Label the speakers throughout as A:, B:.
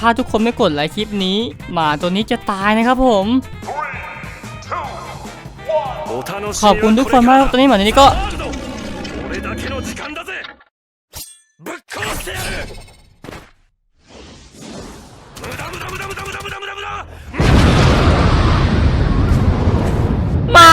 A: าทุกคนไม่กดไลค์คลิปนี้หมาตัวนี้จะตายนะครับผมขอบคุณทุกคนมากตอนนี้หมาตัวนี้ก็ไม่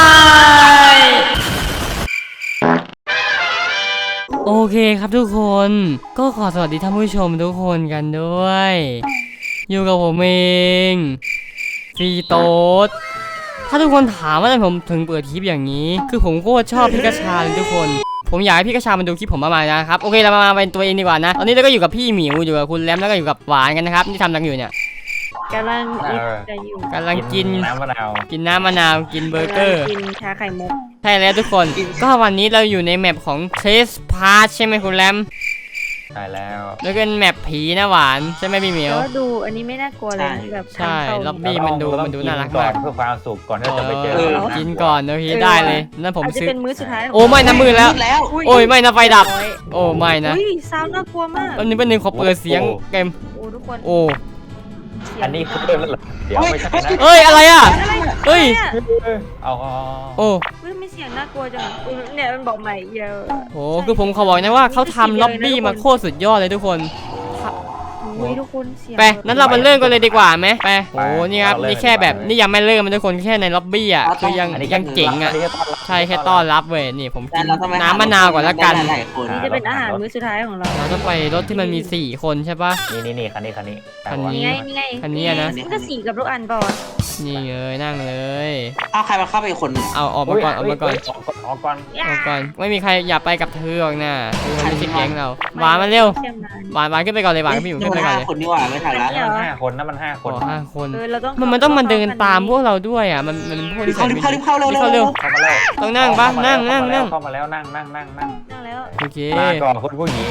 A: โอเคครับทุกคนก็ขอสวัสดีท่านผู้ชมทุกคนกันด้วยอยู่กับผมเองฟีโต้ถ้าทุกคนถามว่าทำไมผมถึงเปิดคลิปอย่างนี้คือผมโคตรชอบพี่กระชาเลยทุกคนผมอยากให้พี่กระชามาดูคลิปผมมากๆนะครับโอเคเรามาเป็นตัวเองดีกว่านะตอนนี้เราก็อยู่กับพี่หมิวอยู่กับคุณแรมแล้วก็อยู่กับหวานกันนะครับที่ทำอะไรอยู่เนี่ย
B: กำลังจะอยู่
A: กำลังกิน
C: น้ำมะนาว
A: กินน้ำมะนาวกินเบอร์เกอร์
B: กินชาไข่มุก
A: ใช่แล้วทุกคนก็วันนี้เราอยู่ในแมปของเทสพาร์ทใช่ไหมคุณแรม
C: ใช่แล้ว
A: แล้วเป็นแมปผีนะหวานใช่ไหมพี่หมิว
B: แล้วดูอันนี้ไม่น่ากลัวเลยแบบ
A: ใช่ล็อบบี้มันดูน่ารักมาก
C: เพื่อความสุขก่อนที่จะไปเจอ
A: กินก่อนโอเคได้เลยนั่นผมซื้อ
B: เป็นมื้อสุดท้าย
A: โอ้ไม่นะมือแล้วโอ้ยไม่นะไฟดับโอ้ไม่นะ
B: ซาวน่ากลัวมาก
A: วันนี้เป็นหนึ่งขอเปิดเสียงเกม
B: โอ้ทุกคน
A: โอ้
C: อันนี้คือเริ่มแล้วเหรอเดี๋ยวไม่ใช่นะ
A: เอ้ยอะไรอ่ะเฮ้ย
C: เอา
A: โอ้
B: ไม่เสียงน่ากลัวจังเนี่ยมันบอกใหม่เยอะ
A: โอ้คือผมขอบอกนะว่าเขาทำล็อบบี้มาโคตรสุดยอดเลยทุกคน
B: ทุกคนเสียง
A: ไปนั้นเรามาเริ่มกันเลยดีกว่าไหมไปโอ้นี่ครับนี่แค่แบบนี่ยังไม่เริ่มมันทุกคนแค่ในล็อบบี้อ่ะคือยังเจ๋งอ่ะใช่แค่ต้อนรับเว้ยนี่ผมกินน้ำมะนาวก่อนละกัน
B: นี่จะเป็นอาหารมื้อสุดท้ายของเรา
A: เราต้องไปรถที่มันมี4คนใช่ปะ
C: นี่คันนี้
A: คันนี้นะ
B: มันก็4กับทุกอันป่ะ
A: นี่เลยนั่งเลย
D: เอาใครมาเข้าไปคน
A: เอาออกมาก่อน
C: ออกก่อน
A: ไม่มีใครอยากไปกับเธอหรอกนะไม่ใช่แก๊งเราหวานมาเร็วหวานขึ้นไปก่อนเลยหวานขึ้นไปอยู่ขึ้นไปก่อนเลย
D: คนนี่หว่าไม่ทันแล้ว
C: 5 คนนะมัน5 คน
A: 5 คนมันต้องมาเดินตามพวกเราด้วยอ่ะมันพวกที่
D: เข้าเร็ว
A: ต้องนั่งปะนั่ง
C: เข้ามาแล้วนั่ง
B: แล้ว
A: โอเค
C: ลาก่อนคุณผู้หญิง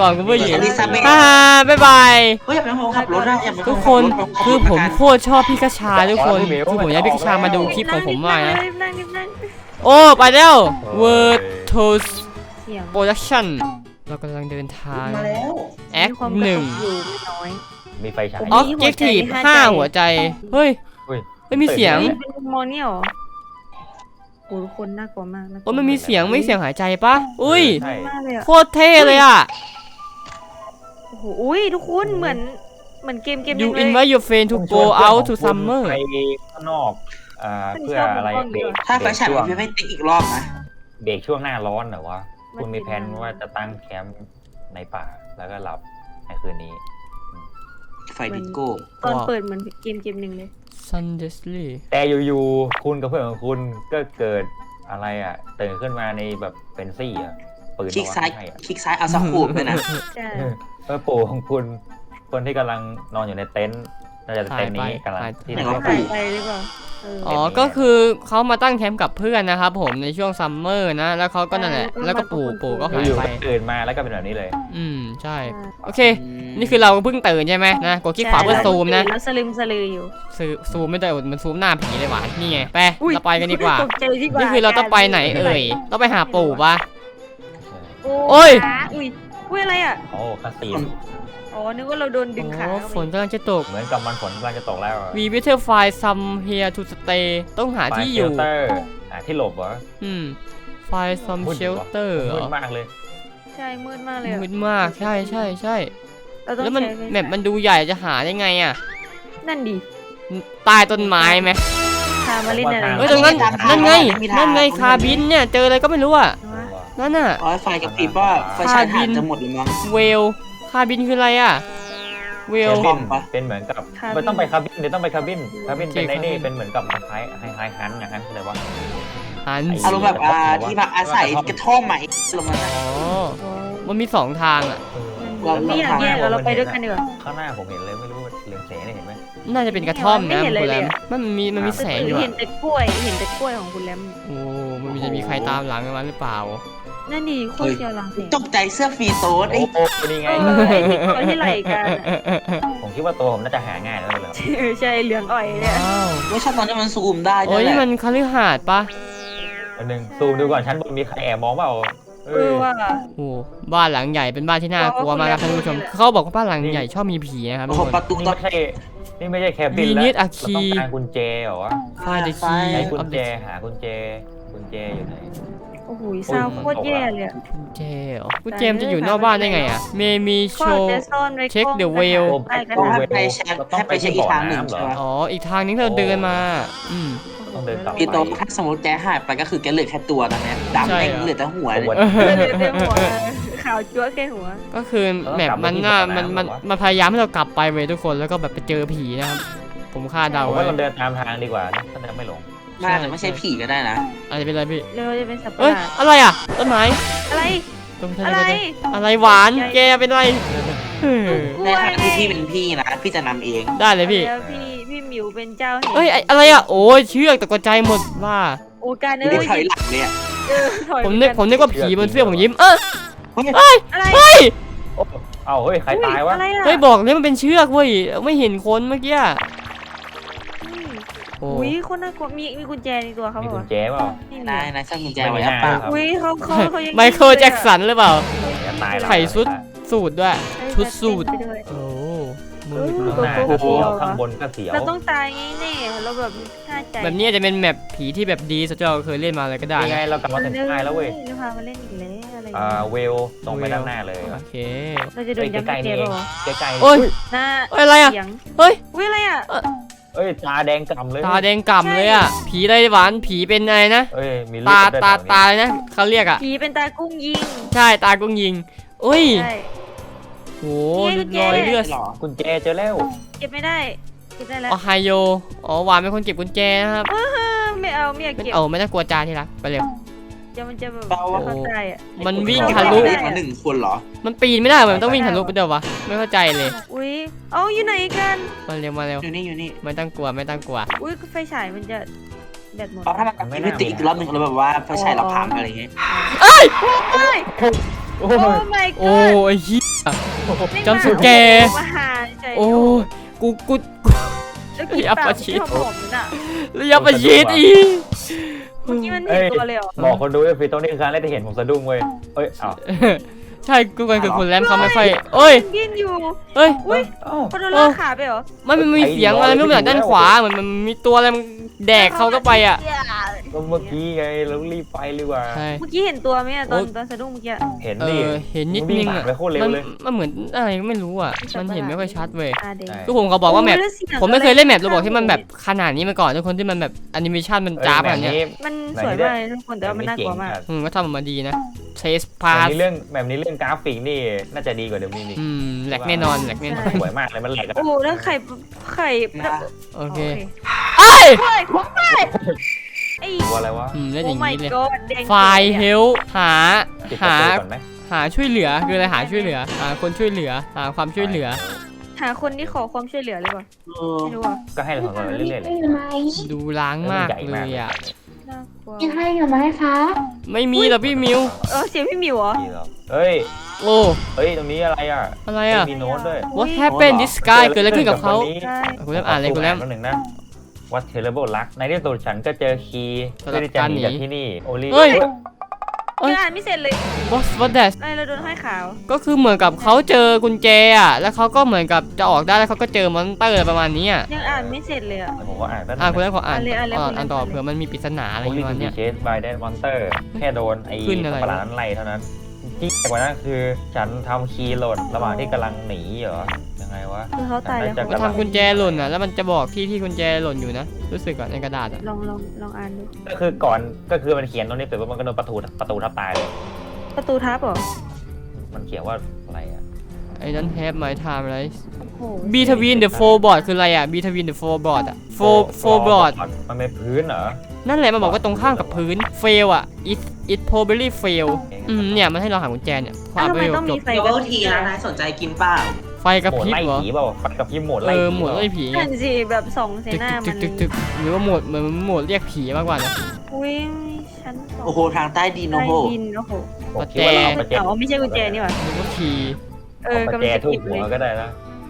A: บ๊ายบาย
D: อย่าไปโหขับรถนะ
A: ทุกคนคือผมโคตรชอบพี่กระชาทุกคนคือผมอยากพี่กระชามาดูคลิปของผมมากนะโอ้ไปแล้ว Word Toast Production เรากำลังเดินทางแอค1
C: มีไฟฉาย
A: Objective 5 หัวใจเฮ้ยไม่มีเสียง
B: เป็นโมเนียลโอ้ทุกคนน่ากลัวมากนะ
A: มันมีเสียงไม่เสียงหายใจปะอุ้ยโคตรเท่เลยอ่ะ
B: โอ้โหอุ้ยทุกคนเหมือนเกมเลย
A: You invite your friend to go out to summer
C: ไปข้างนอกเพื่ออะไรเบรก
D: ถ้าไฟฉายมันไม่ติ๊กอีกรอบนะ
C: เบรกช่วงหน้าร้อนเหรอวะคุณมีแผนว่าจะตั้งแคมป์ในป่าแล้วก็หลับในคืนนี้
D: ไฟดิโก้
B: ตอนเปิดเหมือนเกมหนึ่งเลย
A: Sunday
C: แต่อยู่ๆคุณกับเพื่อนของคุณก็เกิดอะไรอ่ะตื่นขึ้นมาในแบบเป็นซี่อ่ะปืน
D: คลิกซ้ายเอาสักขูบเลยนะ
C: เพื่อปู่ของคุณคนที่กำลังนอนอยู่ในเต็นท์น่าจะเต็นท์นี้กำลังที่
B: เขาไปหรือเปล่า
A: อ๋อก็คือเขามาตั้งแคมป์กับเพื่อนนะครับผมในช่วงซัมเมอร์นะแล้วเขาก็นั่นแหละแล้วก็ปู่ก็หายไป
C: ตื่นมาแล้วก็เป็นแบบนี้เลย
A: ใช่โอเคนี่คือเราเพิ่งตื่นใช่ไหมนะกดคลิกขวาเพื่อซูมนะ
B: แล้วสลึมสลืออยู่
A: ซูมไม่ได้มันซูมหน้าผีเลยหวานนี่ไงไปเราไปกันดีกว่านี่คือเราต้องไปไหนเอ่ยต้องไปหาปู่ปะโอ้ย
B: อะไรอ่ะ
C: โอ้คาสิโน
B: อ๋อนึกว่าเราโดนดึงขา
A: ฝนกำลังจะตก
C: เหมือนกับมันฝนกำลังจะตกแล้ว
A: We better find some here to stay ต้องหาที่อยู่
C: หาที่หลบเหรอ
A: find some shelter
C: มืดมากเลย
B: ใช่มืดมากเลย
A: มืดมากใช่แล้วมันแมปมันดูใหญ่จะหาได้ไงอ่ะ
B: นั่นดิ
A: ใต้ต้นไม้ไหม
B: คามาเล่นอะไร
A: ตรงนั้นนั่นไงคาบินเนี่ยเจออะไรก็ไม่รู้อ่ะนั่นน่ะ
D: ไฟกับปีว่าไฟฉายจะหมดหรือมั้ง
A: เวลคาบินคืออะไรอ่ะเวล
C: เป็นเหมือนกับไม่ต้องไปคาบินเดี๋ยวต้องไปคาบินเป็นในนี่เป็นเหมือนกับคล้ายฮันอย่างนั้นอะไรวะ
A: ฮัน
D: อารมณ์แบบที่พักอาศัยกระท่อมใหม่ลงมา
A: มันมี2 ทางอ่ะ
B: ไม่อยากแยกเราไปด้วยกันดีกว่า
C: ข้างหน้าผมเห็นเลยไม่รู้เรืองแสงเห็นไหม
A: น่าจะเป็นกระท่อมนะคุณแรมมันมีแสงอยู่
B: เห็นแต่กล้วยของคุณแรม
A: โอ้มันจะมีใครตามหลังมันหรือเปล่า
B: นั่นดิโคตรเชียวหลังเสียง
D: ตกใจเสื้อฟีโต้ไอ้
C: นี่ไง
B: ที่ไหลกัน
C: ผมคิดว่าตัวผมน่าจะหาง่ายแล้วเลย
B: ใช่เหลืองอ่อยเนี่ย
D: ไม่ใช่ตอนนี้มันซูมได้
A: โอ้ยมันคฤหาสน์ปะ
C: อันนึงซูมดูก่อนชั้นบนมีใครแอบมองเปล่า
B: ว่า
A: โอ้บ้านหลังใหญ่เป็นบ้านที่น่ากลัวมากครับท่านผู้ชมเขาบอกว่าบ้านหลังใหญ่ชอบมีผีนะครับ
D: โอ้
A: ทุก
D: โห
A: คน
D: ประตู
C: นี่
D: ต้อ
C: ไม่
D: ง
C: ใช่นี่ไม่ใช่แคบิน
A: We
C: แล้ว
A: need a
C: เรา
A: key
C: ต้องการกุญแจเหรอวะ
A: Find the
D: ไฟ
A: key
C: ไอ้กุญ
A: of
C: แจ
A: the
C: หากุญแจอยู่ไหน
B: โอ้โหซาวโคตรแย่เลยอะ
A: กุญแจเหรอกุญแจมันจะอยู่นอกบ้านได้ไงอ่ะเมมีโช
B: ก็
A: ว์
B: จะซ่อนไว้
A: Check the
B: กล้อง
A: whale
B: ใต้กระ
D: ต้อง
B: ดาษ
D: ให้ไปเช็คให้ไปเช็คอีกทางหนึ่งใช่ไหม
A: อ๋ออีกทางนึงที่เราเดินมาม
C: ต้องเดินกลับ
D: พี่โตถ้าสมมติแกหายไปก็คือแกเหลือแค่ตัวตอนเนี้ยดำ
A: ใช่
D: แม่ง
A: เหรอ
D: เหลือแต่หัวเลย
C: ตัว
B: เดี๋ยวหัวขาวจั๊วแค่หัว
A: ก็คือแมปมันน่ามันพยายามให้เรากลับไปเว้ยทุกคนแล้วก็แบบไปเจอผีนะครับผมคาดเดา
C: ผม
A: ไว้
C: ว่าเราเดินตามทางดีกว่านะถ้าเดินไม่หลง
D: น่าจะไม่ใช่ผีก็ได้นะ
A: อาจจะเป็นอะไรพี่
B: เร็วจะเป็นสัตว์ประ
A: เอ้ย
B: หลาด
A: อะไรอ่ะต้นไม้
B: อะไร
A: ต้นไม้
B: อะไร
A: อะไรหวานแกเป็นอะไรเออ
D: ในทางที่พี่เป็นพี่นะพี่จะนำเอง
A: ได้เลยพี่
B: แล้วพี่หมิวเป็นเจ้าแห่ง
A: เอ้ยอะไรอ่ะโอ้ยเชือกตกใจหมดว่า
B: โอการ
D: ไม่
B: เอ้
D: ได้
B: ย
D: ถอยหลังเลยอะ
B: ถอย
A: ผมนึกว่าผีบนเสื้อผมยิ้ม
D: เฮ้ย
A: เอ้ย
B: อะไร
A: เฮ้ย
C: เอ้าเฮ้ยใครตายวะ
B: อะไรอะ
A: เฮ้ยบอกเลยมันเป็นเชือกเว้ยไม่เห็นคนเมื่อกี้โอ้
B: อุ้ยคนน่ากลัวมีกุญแจในตัวเขา
C: มี
B: บอก
C: กุญ
B: ว่า
C: แจเปล่า
B: นี่
D: นายนายช่างกุญแจไว้หรือเป
C: ไม่
D: ล่า
C: น่า
B: อุ้ยเขายัง
A: ไมเคิลแจ็คสันหรือเปล่า
C: จะตายแล้ว
A: ไข่สุด สูตรด้วย ชุดสูท
B: ไปด้วย
A: โอ้มื
C: ข้างหน้าก็เสียวข้างบนก็เสียว
B: เราต้องตายไงแน่เราแบบฆ่าใจ
A: แบบนี้อาจจะเป็นแมปผีที่แบบดีสุดที่เราเคยเล่นมาเลยก็ได้
C: ยังไง
A: นะ
C: เรากลับมาถึงท้ายแล้วเว้ย
B: เราพามาเล่นอีกแล้วอะไรอย่าง
C: เว
B: เงี้ย
C: ลตรงไปด้านหน้าเลย
A: โอเค
B: เราจะโดนยัด
C: ใกล้
B: กุญ
C: ๆ
B: แจ
C: นี่เอ
B: เป
C: ง
B: ล่าวะ
C: ใกล้ๆ
A: โอ้ย
B: หน้า
A: เอ้ยอะไรอ่ะ
B: เสียง
A: เฮ้ย
B: อุ้ยอะไรอ่ะ
C: เอ้ยตาแดงกล่ำเลย
A: ตาแดงก่ำเลยอ่ะผีอะไรหวานผีเป็นอะไรนะ
C: เอ้ยมีเลื
A: ตา
C: อดด้วย
A: ตา
C: แถวนี้
A: อะไรนะเขาเรียกอ่ะ
B: ผีเป็นตากุ้งยิง
A: ใช่ตากุ้งยิงอุ้ย
B: ใช่
A: โห
B: นี่กุญแจ
A: รอยเลือด
D: หรอ
C: กุญแจเจอแล้ว
B: เก็บไม่ได้เก็บได้แล้ว
A: โอไฮโออ๋อหวานเป็นคนเก็บกุญแจนะครับ
B: ไม่เอาไม่อยาก
A: เป็น
B: เก็บ
A: ไม่ต้องกลัวจาที่รักไปเร็ว
B: เดี๋ยวมันจะแบบ
D: เบา
B: เข้าใจอ่ะ
A: มันวิ่ง
B: ทะ
A: ทะ
B: ลุ
A: ลุ
D: มาหนึ่งคนเหรอ
A: มันปีนไม่ได้เหมือนมันต้องวิ่งทะลุไปเดียววะไม่เข้าใจเลย
B: อุ้ยเอาอยู่ไหนกัน
A: มาเร็วมาเร็ว
D: อยู่นี่อยู่นี่
A: ไม่ต้องกลัวไม่ต้องกลัว
B: อุ้ยไฟฉายมันจะแบตหมด
D: เพราะถ้ามันกลับไปติดอีกรอบหนึงแล้วแบบว่าไฟฉายเราพังอะไรอย่างเงี้ย
B: เฮ้ย
C: โอ้
B: โอ้
C: ย
B: my
A: โอ้
B: god
A: ไอ้เหี้ย
B: ไม่
A: จำสแกร์
B: มาหาใจ
A: โอ้กู
B: แล้วกิน
A: อัป
B: ปาก
A: ปะชิด
B: ที่หอมๆนั่นอ่ะ
A: ระยะประชิดอีก
B: เมื่อกี้มันเห็นตัวเลยเหรอ
C: บอกคนดูไอ้ฟีตรงนี้คือครั้งแรกที่เห็นผมสะดุ้งเว้ยเอ้ยอ้าว
A: ใช่กูเป็นคือคุณแรมเขาไม่ค่อยเอ้ย
B: กินอยู่
A: เอ้ย
B: อุ้ย
C: อ้าว
B: พอโดนลากขาไปเหรอ
A: มันมีเสียงอะไรไม่รู้เหมือนด้านขวาเหมือนมันมีตัวอะไรมันแดกเขาก็ไปอ่ะ
C: ก็เมื่อกี้ไงเรารีบไปดีกว่า
A: ใช่
B: เมื่อกี้เห็นตัวไหมอะตอนสะดุ้งเมื่อกี้
C: เห็น
A: เอ
C: ดิ
A: อเห็นนิด
C: วิ่
A: นึ
C: ง
A: ง
C: ผ่า
A: อ่ะ
C: นไปโคตรเร็ว
A: มัน
C: เลย
A: มันเหมือนอะไรก็ไม่รู้อ่ะมันเห็นไม่ค่อยชัดเว้ย
B: ตาแดง
C: ใช่
A: ก็ผมเขาบอกว่าแมป
B: โแล้วสีง
A: ผมไม่เคยเล่นแมปโรบอกที่มันแบบขนาดนี้มาก่อนทุกคนที่มันแบบแอนิเมชันมันจ้าบแบบเนี้ย
B: มันสวยมากเลยทุกคนแต่ว่ามันน่ากลัวมาก
A: ก็ทำออกมาดีนะเทส
C: แบ
A: พา
C: บ
A: ส
C: นี้เรื่องกราฟิกนี่น่าจะดีกว่าเดิมนี่
A: แหลกแน่นอนแหลกแน่นอน
C: สวยมากเลยมันแหลกอะ
B: โอ้โหแล้วไข่
A: โอเค
B: เอ้ยไอ้
C: ตัวอะไรวะ
A: เล่น
B: โอ้
A: อย่าง
B: my
A: นี้เลย
B: god แดง
A: ไฟล์เฮลหา
C: ปิดประ
A: หา
C: ตูก่อนไหม
A: หาช่วยเหลือคืออะไรหาช่วยเหลือหาคนช่วยเหลือหาความช่วยเหลือ
B: หาคนที่ขอความช่วยเหลือเลยป่ะ
D: เออ
B: ไม่รู้อ่ะ
C: ก็ให้เราทำกันเรื่อยๆเลย
A: ดูล้างมากเลยอ่ะ
B: น่ากลัว
E: มีใครอยู่ไหมคะ
A: ไม่มีหรอกพี่มิว
B: เสียงพี่หมิวเหรอ
C: ดีแล้วเฮ้ย
A: โอ้
C: เฮ้ยตรงนี้อะไรอ่ะ
A: อะไรอ่ะ
C: มีโน้ตด้วย
A: What happened this guy เกิดอะไรขึ้นกับเขา
B: ใช่
A: คุณแรมอ่านเลยคุณแรม
C: หนึ่งนะ What terrible luck ในที่สุดฉันก็เจอคีย์
A: สำหรับ
C: เพื่อที่จะหนี
A: การหนี
C: จากที่นี่โอลิ
A: เฮ้ย
B: ยังอ่านไม่เสร็จเลย
A: what that
B: อะไรเราโดนห้อยขาว
A: ก็คือเหมือนกับเขาเจอกุญแจอ่ะแล้วเขาก็เหมือนกับจะออกได้แล้วเขาก็เจอมอนสเตอร์ประมาณนี้อ่ะ
B: ยังอ่านไม่เสร็จเลยอ่ะ
C: ผมก็อ่านแป๊บนึง
A: คุณแรมขออ่าน
B: อ่านเลย
A: อ่านต่อเผื่อมันมีปริศนาอะไรอ
C: โอย่าง ลิ
A: เงี้ย
C: ทู
A: เนี่ย
C: บีเชสบายแดนมอนสเตอร์แค่โดนไอ้
A: ขึ้นอะไรวะ
C: ประหลาดนั้นไล่เท่านั้นที่แปลกกว่านั้นคือฉันทำคีย์หล่นระหว่างที่กำลังหนีเหรอยังไงวะ
B: คือเขาตายแล้ว
A: ก็ทำกุญแจหล่นอ่ะแล้วมันจะบอกที่กุญแจหล่นอยู่นะรู้สึกก่อนในกระดาษอ่ะ
B: ลองอ่านดู
C: ก็คือก่อนก็คือมันเขียนตรงนี้เสร็จปุ๊บมันก็โดนประตูทับตายเลย
B: ประตูทับเหรอ
C: มันเขียนว่าอะไรอ่ะ
A: I don't have my time อะไร
B: โอ้โห
A: between the four board คืออะไรอ่ะ between the four board อ่ะ four board
C: มันเป็นพื้นเหรอ
A: นั่นแหละมันบอกว่าตรงข้ามกับพื้น fail อ่ะ it probably fail เนี่ยมันให้เราหากุญแจเนี่ยพอ
B: อ้าว
A: อ่าน
B: ทำ
A: ไป
B: ไมต้อง
A: จ
B: มี
A: บ
B: ไฟ
D: เดี๋ยวก็ทีนะนายสนใจกินเปล่า
A: ไฟกระ
C: โหม
A: พ
C: ด
A: ริบ
C: ไล่
A: เหรอ
C: ผีเปล่าไฟกับพี่โหมดไล่ผี
A: โหมดไล่ผีไง
B: นั่นสิแบบส่องใส่
A: ตึก
B: หน้า
A: ตึ
B: มั
A: ก
B: น
A: ตึกตึกหรือว่าโหมดเหมือนโหมดเรียกผีมากกว่านะ
B: อุ้ยชั้นสอง
D: โอ้โหทางใต้ดิน
B: ใต้
D: โอ้โห
B: ดินโอ้โห
C: ผมคิดว่าเราเอาประแจ
B: อ๋อไม่ใช่กุญแจนี่หว่า
A: หรือว่าขี่
B: เออกำลัง
C: เอาประแจ
B: จะ
C: ทุบ
B: เก็บ
C: หั
B: เล
C: วย ก็ได้นะ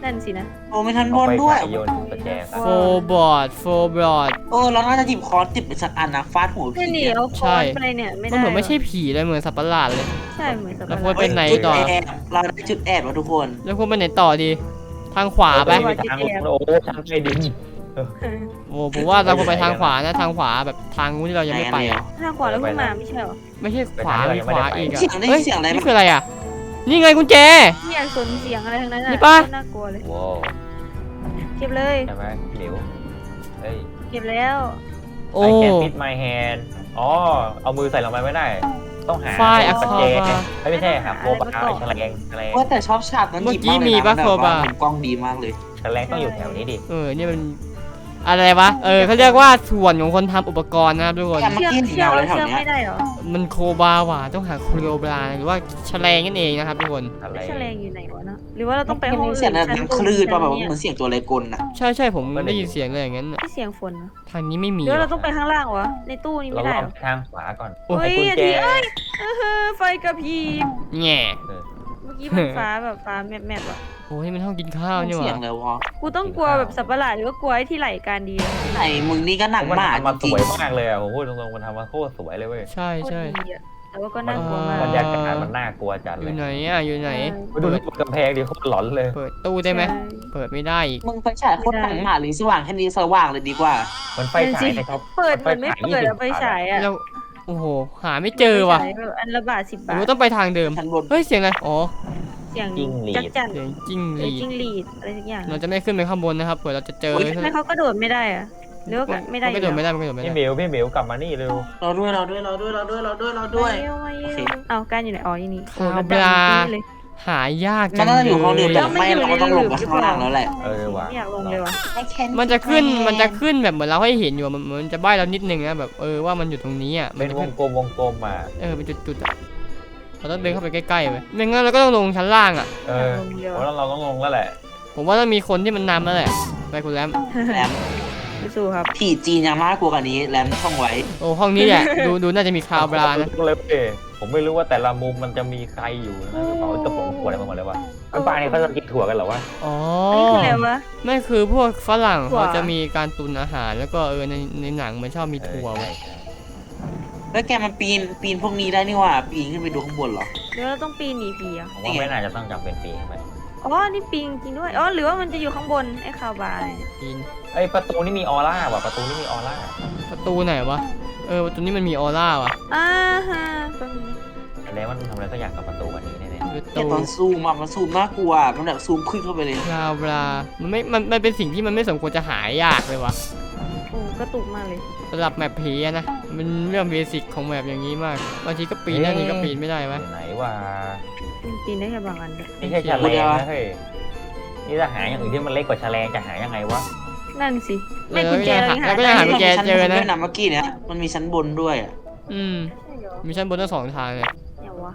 B: นั่นสินะ
D: โอ้ไม่ชั้นบ
C: เอา
D: น
C: ไป
D: ด้วย
C: ขายโยนประแจซะ
A: โฟบอร์ดโฟบอร์ด
D: เราน่าจะหยิบค้อนติดเป็นสักอันนะฟาดหัว
B: นี่
D: ผี
B: นี่เอาคอนไปเนี่ยไม่
A: มัน
B: ได้
A: เหมือนไม่ใช่ผีเลยเหมือนสัตว์ประหลาดเลย
B: ใช่เหมือนสับ
A: แล้ว
B: ปะ
A: พว
B: ร
A: ก
B: ด
A: เป็นไหน
D: จุด
A: ต่อ
D: แอบเราได้จุดแอบแล้วทุกคน
A: แล้วควรไปไหนต่อดี ทางขวาไป
C: ไม่มีทางลงโอ้โหทางใต้ดิน
A: โอ้ผมว่าเราควรไปทางขวานะทางขวาแบบทางนู้นที่เรายังไม่ไปอะ
B: ทางขวาแล้วขึ้นมาไม่ใช่เหรอ
A: ไม่ใช่ขวามีขวาอีกอะ
D: เสียงได้
A: เฮ้ย
D: เสียงอะไร
A: นี่คืออะไรอะนี่ไงกุญแจ
B: ไม่อยากสนเสียงอะไรทั้งนั้น
A: นี่
B: อ่ะ
A: ปะ
B: น่ากลัวเลย
C: ว้าว
B: เก็บเลย
C: ใช่ไหมหมิวเฮ้ย
B: เก็บแล้ว
A: โอ้
C: I can fit my hand อ๋อเอามือใส่ลงไปไม่ได้ ต้องหา
A: ฝ้ายอะ
C: ประ
A: คอ
C: แจ
A: บา
C: ไม่ใช่หาโคบาแฉลง
D: ว่าแต่ชอบฉากนั้นหยิบมากเลย
A: เมื่อกี้มีปะ
D: นะ
A: โคบา
D: แบบว่มุมกล้องดีมากเลย
C: แฉลงต้องอยู่แถวนี้ดิ
A: นี่มันอะไรวะเขาเรียกว่าส่วนของคนทำอุปกรณ์นะครับทุกคน
D: เมื่อกี้เห็นเงาอะไรแถวเนี้ย
B: ไม่ได้เหรอ
A: มันโคบาว่ะต้องหาโคโรบราหรือว่าแฉลงนั่นเองนะครับทุกคน
C: อะไร
B: แฉลงอยู่ไหนวะเนาะหรือว่าเราต้องไปห้องอื่น
D: เสียงแบบ
B: ชั้
D: ดัง
B: บ
D: คลื่นป่ะแบบ
B: ชั้
D: เหมือนเสียงตัวอะไรกลน่ะ
A: ใช่ผมได้ยินเสียงเลยอย่างนั้นน่ะ
B: ที่เสียงฝนเหรอ
A: ทางนี้ไม่มี
B: หรือว่าเราต้องไปข้างล่างวะในตู้นี้
C: เรา
B: ไม่
C: ล
B: ได้
C: อ
B: เห
C: ง
B: รอ
C: ทางขวาก่อน
B: เฮ้ย
C: ไอ้กุญแจ
B: เอ้ยไฟกระพริบ
A: แง่
B: เมื่อกี้มันฟ้าแบบฟ้าแมบๆอ่ะ
A: โอ้ยมันห้องกินข้าวนี่ห
D: เสีย
A: ว่ะ
D: งเลยวะ
B: กูต้องกลัวแบบสัตว์ประหลาดหรือว่ากลัวไอ้ที่ไหลการดีอะ
D: ไหนมึงนี่ก็หนัง
C: มัน
D: หมา
C: ทำมา
D: จ
C: ส
D: ริง
C: วยมากเลยอ่ะผมพูดตรงๆมันทำมาโคตรสวยเลยเว้ย
A: ใช่
B: โคตร
A: ใช่
B: ดีอะแต่ว่าก็น่ากลัวมาก
C: บรรยากาศมันน่ากลัวจัด
A: อ
C: เล
A: ยู่
C: ย
A: ไหนอ่ะอยู่ไหน
C: ไปดูที่กำแพงดิโคตรหลอนเลย
A: เปิดตู้ได้ไหม
B: ใช่
A: เปิดไม่ได้อีก
D: ๆมึงไฟฉายโคตรหนังหมาเลยสว่างแค่นี้สว่างเลยดีกว่า
C: มันไฟฉายในท็อป
B: เปิดเหมือนไม่เปิดอะไฟฉายอะ
A: แล้วโอ้โหหาไม่เจอว่ะ
B: ไฟฉายแบบอันละบาท10
A: ห
B: บา
A: รือ
B: ท
A: ว่าต้องไปทางเดิม
D: ชั้นบน
A: เฮ้ยเสียงอะไรอ๋อ
B: เสียง
C: จิ้งหรีด
B: จักจั่น
A: เสียงจิ้งห
B: เอ้ย
A: รีด
B: จิ้งหรีดอะไรสักอย่าง
A: เราจะไม่ขึ้นไปข้างบนนะครับเผื่อเราจะเจอ
B: ทำไมเขากระโดดไม่ได้อะหรือว่าไม่ได้
A: นกระโดดไม่ได้มันกระโดดไม่
C: พี่
A: ได้
C: เหมียวกลับมานี่เร็ว
D: เราด้วยเราด้วยเราด้วยเราด้วยเราด้วยเรา
B: ด้
D: ด้
B: ว
D: วย ย
B: โอเคเอาการอยู่ไหนอ๋อนี่
A: คา
B: แล้ว
A: บลา
B: ดำนี่เลย
A: หายาก
D: มั
A: จั
D: น
A: ง
D: น่าจะอยู่ห้องเดียว
A: เล
D: แต่
A: ย
D: ไม่เราก็ต้องลงไปข้างล่างแล้วแหละ
C: ว่ะ
B: ไม่อยากลงเลยว่ะ
A: มันจะขึ้นแบบเหมือนเราให้เห็นอยู่มันจะใบ้เรานิดนึงนะแบบว่ามันอยู่ตรงนี้อ่ะ
C: เป็นวงกลมอ่ะ
A: เป็นจุดๆอ่ะเราต้องเดินเข้าไปใกล้ๆไปไม่งั้นเราก็ต้องลงชั้นล่างอ่ะ
B: ลงเดียว
C: เพราะเราต้องลงแล้วแหละ
A: ผมว่าต้องมีคนที่มันนำแล้วแหละไปคุณแรม
D: แรม
B: สู้ครับ
D: ผีจีนยังน่ากลัวกว่านี้แรมท่องไว้
A: โอ้ห้องนี้แหละ ดูน่าจะมีคาบลานะ
C: เลยผมไม่รู้ว่าแต่ละมุมมันจะมีใครอยู่นะกระเป๋ากระป๋องขวดอะไรมาหมดเลยวะมันป่าเนี่ยเขาจะกินถั่วกันเหรอวะ
A: อ๋อ
B: อันนี้คืออะไรวะ
A: ไม่คือพวกฝรั่ง
B: ถั่ว
A: เขาจะมีการตุนอาหารแล้วก็ในหนังมันชอบมีถั่ว
C: ใช่
A: ไว้
C: ใช่
D: แล้วแกมันปีนพวกนี้ได้นี่หว่าปีนขึ้นไปดูข้างบนเหรอ
B: เดี๋ยวเราต้องปีนหนีผีอ่ะ
C: ผมว่าไม่น่าจะต้องจำเป็นปีขึ้นไป
B: อ๋อนี่ปีนจริงด้วยอ๋อหรือว่ามันจะอยู่ข้างบนไอ้คาวบาร์เนี่ย
A: ปีน
C: ไอ้ประตูนี่มีออร่าว่ะประตูนี่มีออร่า
A: ประตูไหนวะประตูนี้มันมีออร่าว่ะ
B: อ่าฮะแป๊บนึงนะ
C: แสดงว่ามันทำอะไรสักอย่างกับประตูวันนี้แน่
A: ประ
D: แต่
A: ตู
D: ตอนซูมอะมันซูมน่ากลัวมันแบบซูมขึ้นเข้าไปเลย
A: คาบลามันเป็นสิ่งที่มันไม่สมควรจะหายากเลยวะ
B: โอ้กระตุกมากเลย
A: สำหรับแมปผีอะนะมันเรื่องเบสิกของแมปอย่างนี้มากบางทีก็ปีนได้บางทีก็ปีนไม่ได้
C: ๆ
A: วะ
C: อยู่ไหนวะ
B: ปีนได้แค่บางอันเลย
C: นี่แค่แฉลงนะเฮ้ยนี่จะหาอย่างอื่นที่มันเล็กกว่าแฉลงจะหายังไงวะ
B: นั่นสิไม่กุญแจเรายังหา
A: แล้วก็ยังหากุญแจเจอนะ
D: ชั้นบด้วยเมื่อกี้เนี้ยมันมีชั้นบนด้วยอะ
A: อืม
B: ใช่เหรอ
A: มีชั้นบนทั้งสองทางเลย
B: เนี่ยวะ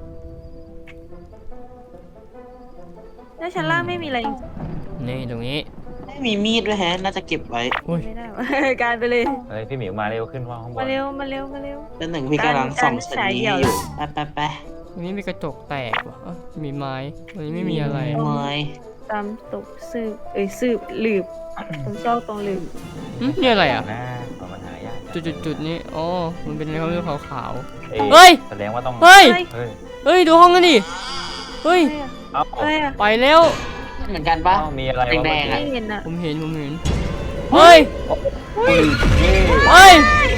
B: แล้วชั้นล่างไม่มีอะไรจริง
A: นี่ตรงนี้
D: ไม่มีมีดด้วยแฮะน่าจะเก็บไว้
A: อุ้ย
B: ไม่ได้วะ การไปเลย
C: เฮ้ยพี่หมิวมาเร็วขึ้นว่าข้างบ
B: มาน เร็วมาเร็วมาเร็ว
D: แล้วหนึ่งพี่กำลังส่องชั้นนี้ให้อยู่ไป
A: ตรงนี้มีกระจกแตกว่ะมีไม้ตรงนี้ไม่มีอะไร
D: ไม้
B: ตามตกสืบสืบหลืบผมชอบตรงหลืบ
A: นี่อะไรอ่ะ
C: หน้ามันหายาก
A: จุดนี้อ๋อมันเป็นอะไรเขาเรียกขาว
C: เอ้
A: เฮ้ย
C: แสดงว่าต้อง
A: ๆเฮ้ย
C: เฮ้ย
A: เฮ้ยดูห้องกันดิเฮ้ย
C: เอ้า
B: อะไรอะ
A: ไปแล้ว
D: เหมือนกันปะ
C: เอ้ามีอะไรวะ
D: แดงๆ
B: ไม่
D: อะ
B: เห็นอะ
A: ผมเห็นเฮ้ยเฮ้ยเฮ้ย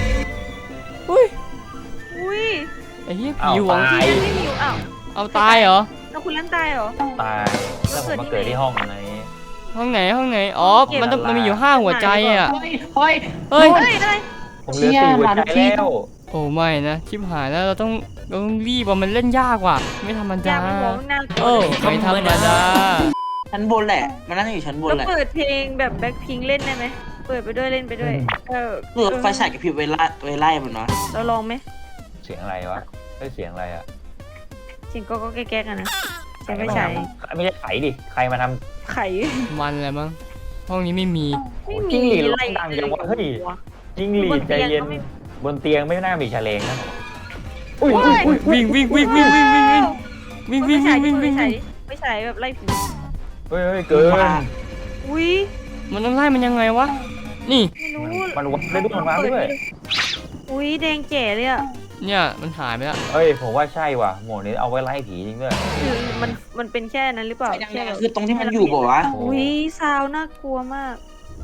B: อุ้ย
A: ไอ้เหี้ย
C: เอ้า
A: ผีหวง
C: ตาย
B: ไม่มีอยู่อ้าว
A: เอาตายเหรอ
B: แล้วคุณเล่นตายเหรอ
C: ตายแล้วผมมาเกิดที่ห้องอะไร
A: ห้องไหนอ๋อมันมีอยู่5หัวใจอ่ะ
D: เฮ้ยเฮ้ย
A: เฮ้ย
B: เฮ้ยอะไร
C: ผมเหลือ4หัวใจแล้ว
A: โอ้ไม่นะชิบหายแล้วเราต้องรีบว่ามันเล่นยากว่ะไม่ธรรม
B: อ
A: ดา
B: ยากหัวหน้า
A: โอ้ไม่ธรรมดา
D: ชั้นบนแหละ มันน่าจะอยู่ชั้นบน
B: แล้ว
D: แหละ
B: เปิดเพลงแบบแบ็คพิงเล่นได้ไหมเปิดไปด้วยเล่นไปด้วยเออ
D: เลือกไฟฉายกับพริบไว้ไล่มันเนาะ
B: เราลองไหม
C: เสียงอะไรวะเฮ้ยเสียงอะไรอ่ะ
B: เสียงก็แก๊กๆกันนะใช้ไม่ใช้
C: ไม่ใช่ไขดิใครมาทำ
B: ไข่
A: มันอะไรมั้งห้องนี้ไม่มี
B: ไม่
C: จิ้
B: มี
C: งหรีด
B: อะไร
C: ดังจังวะเฮ้ย
B: วะ
C: จิ้งหรีดใจเย็น
B: บนเตียงก็ไม่
C: บนเตียงไม่น่ามีแฉลงนะ
B: อุ้ย
A: วิ่ง
B: ไม่ใช่ไม่ใช่แบบไล่ผี
C: เฮ้ยเกิน
B: อุ้ย
A: มันต้องไล่มันยังไงวะนี่
B: ไม่รู้
C: มันวัดได้ด้วยมันวัดด้วย
B: อุ้ยแดงแจ๋เลยอ่ะ
A: เนี่ยมันหายไปแล้ว
C: เฮ้ยผมว่าใช่ว่ะโหมดนี้เอาไว้ไล่ผีจริงด้วย
B: คือมันเป็นแค่นั้นหรือเปล่า
D: ยังไง
B: แค่แบบ
D: คือตรงที่มันอยู่บอกว่า
C: โอ้
B: อุ้ยซาวน่ากลัวมาก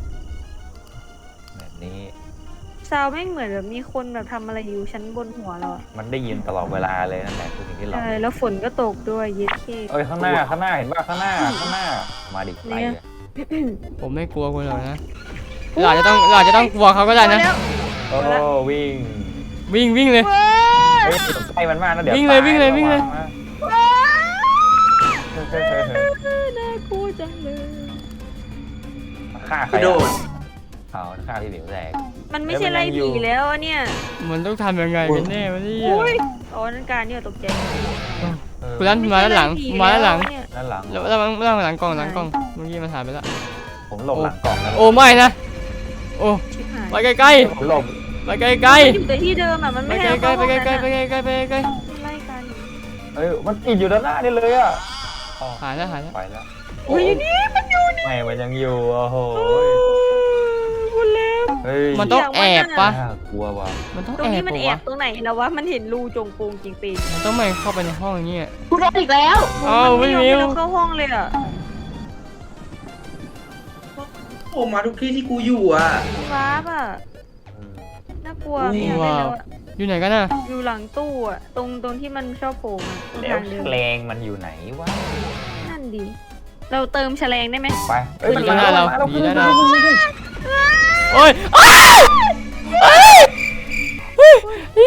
C: แบบนี้
B: ซาวไม่งเหมือนแบบมีคนแบบทำอะไรอยู่ชั้นบนหัวเราอะ
C: มันได้ยินตลอดเวลาเลยนั่นแหละคือสิ่งที่เรา
B: ใช่แล้วฝนก็ตกด้วยเย็ดเค
C: เอ้ยข้างหน้าเห็นป่ะข้างหน้ามาดิไล่เลย
A: ผมไม่กลัวคุณหรอกนะเราอาจจะต้องกลัวเขาก็ได้นะ
C: โอ้วิ่ง
A: วิ่งเลย
C: เฮ้ยใกล้มันมากนะเดี๋ยว
A: วิ่งเลยวิ่งเลยวิ่งเลย
B: น่ากลัวจังเลย
C: ฆ่าใคร
D: กระโดด
C: เอาฆ่าพี่หมิวแตก
B: มันไม่ใช่ไล่ผีแล้วอะเนี่ย
A: มันต้องทำยังไงกันแน่วะเนี่ย
B: อุ้ยอ๋อนั่นการเนี่ยตกใจ
A: คุณนั้นมาด้านหลัง
B: ไใช่
A: มาด้านหลัง
B: ไล่ผีแวเนี่ย
C: ด้านหลัง
A: แล้วหลังกล้องเมื่อกี้มันหายไปแล้ว
C: ผมหลบหลังกล่องแล้ว
A: โอ้ไม่นะโอ้
B: ชิบหาย
A: ไปใกล้
C: ผมหลบ
A: ๆไปใกล้
B: มันอยู่แต่ที่เดิมอะมัน
A: ๆไป
B: ไม่
A: ใก
B: ให้
A: ล้
B: เรา
A: ๆไป
B: เข้าห้อง
A: ใกล้
B: นั้น
A: ๆไป
B: อะ
A: ใกล้ๆไปใกล้
B: ไล่กัน
C: เอ้ยมันติดอยู่ด้านหน้านี่เลยอ่ะอ๋อ
A: ๆหายแล้ว
C: ไปแล้ว
B: อุ้ยนี่มันอยู่นี่
C: ไม่มันยังอยู่โอ้โห
B: คุณเล็บ
C: เฮ้ย
A: มันต้องแอบปะ
C: น่ากลัวว่ะ
A: มันต้อง
B: ตรง
A: แอ
B: นี้
A: บ
B: มัน
A: ปะ
B: แอ
A: วะ
B: บตรงไหนแล้ววะมันเห็นรูจงโปงจริงปีน
A: มันต้องไม่เข้าไปในห้องอย่างเงี้ย
D: กูโดนอีกแล้ว
A: อ้าว
B: มัน
A: ไม่
B: ไม่ยอม
A: มิ
B: ให้
A: ว
B: เราเข้าห้องเลยอะ
D: โอ้มาทุกที่ที่กูอยู่อ่ะ
B: วาร์ปอะน่ากลัว
D: อุ้ย
B: ไม่อยากเล่นแล้วอะ
A: อยู่ไหนกันน่ะ
B: อยู่หลังตู้อะตรงที่มันชอบโผล่มาตรง
C: แล้ว
B: ทางเดิน
C: แฉลงมันอยู่ไหนวะ
B: นั่นดี เราเติมแฉลงได้ไหม
C: ไป
A: อยู่หน้าเราอยู่หน้าเรา
C: ขึ้น
A: โอ้ยอ้าวเฮ้ยเฮ้ย